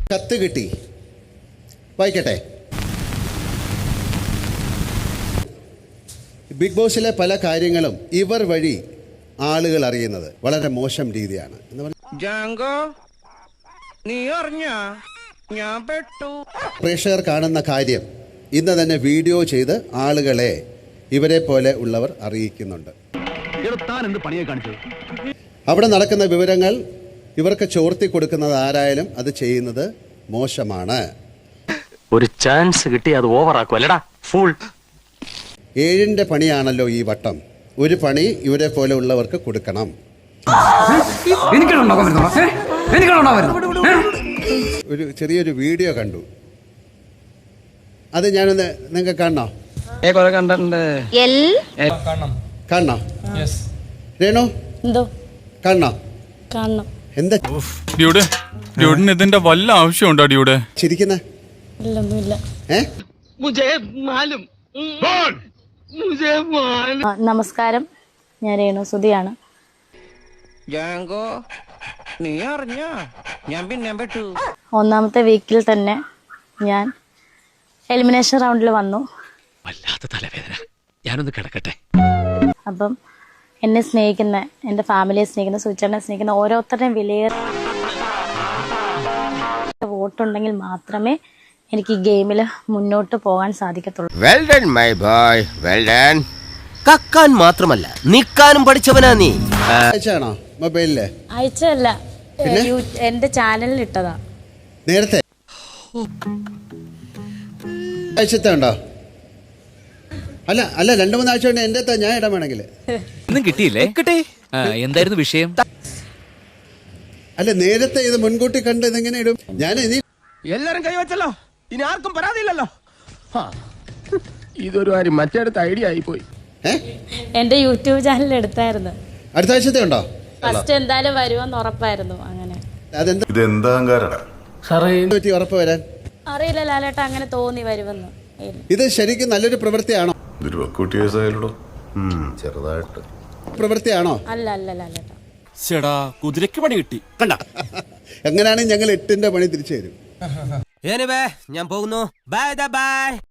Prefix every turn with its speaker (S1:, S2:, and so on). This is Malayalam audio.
S1: കത്ത് കിട്ടി, വായിക്കട്ടെ. ബിഗ് ബോസിലെ പല കാര്യങ്ങളും ഇവർ വഴി ആളുകൾ അറിയുന്നത് വളരെ മോശം രീതിയാണ്. പ്രേക്ഷകർ കാണുന്ന കാര്യം ഇന്ന് തന്നെ വീഡിയോ ചെയ്ത് ആളുകളെ ഇവരെ പോലെ ഉള്ളവർ അറിയിക്കുന്നുണ്ട്. അവിടെ നടക്കുന്ന വിവരങ്ങൾ ഇവർക്ക് ചോർത്തി കൊടുക്കുന്നത് ആരായാലും അത് ചെയ്യുന്നത് മോശമാണ്.
S2: ഒരു ചാൻസ് കിട്ടി അത് ഓവറാക്കുമല്ലടാ ഫുൾ.
S1: 7ന്റെ പണിയാണല്ലോ ഈ വട്ടം. ഒരു പണി ഇവരെ പോലെ ഉള്ളവർക്ക് കൊടുക്കണം. ഒരു ചെറിയൊരു വീഡിയോ കണ്ടു, അത് ഞാനൊന്ന് നിങ്ങൾക്ക് കാണണോ? കാണണോ രേണു? കാണണോ? എന്താ
S3: ഇതിന്റെ വല്ല ആവശ്യമുണ്ടോ ഡ്യൂടെ?
S1: ചിരിക്കുന്നേ?
S4: നമസ്കാരം, ഞാൻ രേണു സുധിയാണ്. ഒന്നാമത്തെ വീക്കിൽ തന്നെ ഞാൻ എലിമിനേഷൻ റൗണ്ടിൽ വന്നു.
S2: വല്ലാത്ത തലവേദന, ഞാനൊന്ന് കിടക്കട്ടെ.
S4: അപ്പം എന്നെ സ്നേഹിക്കുന്ന, എൻ്റെ ഫാമിലിയെ സ്നേഹിക്കുന്ന, സുചേട്ടനെ സ്നേഹിക്കുന്ന ഓരോരുത്തരുടെയും വിലയേറിയ വോട്ടുണ്ടെങ്കിൽ മാത്രമേ എനിക്ക് ഈ ഗെയിമിൽ മുന്നോട്ട് പോകാൻ സാധിക്കത്തുള്ളൂ.
S5: Well done my boy, well done. കക്കാൻ മാത്രമല്ല നിക്കാനും പഠിച്ചവനാ നീ.
S1: അയച്ചാണോ മൊബൈലില്?
S4: അയച്ചല്ല, എന്റെ ചാനലിൽ ഇട്ടതാ.
S1: നേരത്തെ അയച്ചത്തെ ഉണ്ടോ? അല്ല 2-3 ആഴ്ച കൊണ്ട് എന്റെ ഞാൻ ഇടാൻ വേണമെങ്കിൽ
S6: ഒന്നും കിട്ടിയില്ലേ? എന്തായിരുന്നു വിഷയം?
S1: അല്ല, നേരത്തെ ഇത് മുൻകൂട്ടി കണ്ട് ഇതെങ്ങനെ ഇടും? ഞാൻ ഇനി
S5: എല്ലാരും കൈവച്ചല്ലോ, ഇനി ആർക്കും പരാതിയില്ലല്ലോ. ഇതൊരു കാര്യം മറ്റേടത്ത് ഐഡിയ ആയി പോയി.
S4: എന്റെ യൂട്യൂബ് ചാനലിൽ എടുത്തായിരുന്നു.
S1: അടുത്ത ആഴ്ചത്തെ ഉണ്ടോ?
S4: ഫസ്റ്റ് എന്തായാലും വരുമെന്ന് ഉറപ്പായിരുന്നു. അങ്ങനെ
S1: ഉറപ്പ് വരാൻ
S4: അറിയില്ല ലാലേട്ട, അങ്ങനെ തോന്നി വരുമെന്ന്.
S1: ഇത് ശരിക്കും നല്ലൊരു പ്രവൃത്തിയാണോ?
S5: ചെറുതായിട്ട്
S4: അല്ല ലാലേട്ട.
S6: കുതിരക്ക് പണി കിട്ടി.
S1: എങ്ങനെയാണെങ്കിൽ ഞങ്ങൾ 8ന്റെ പണി തിരിച്ചു തരും.
S5: ഞാൻ പോകുന്നു. Bye by.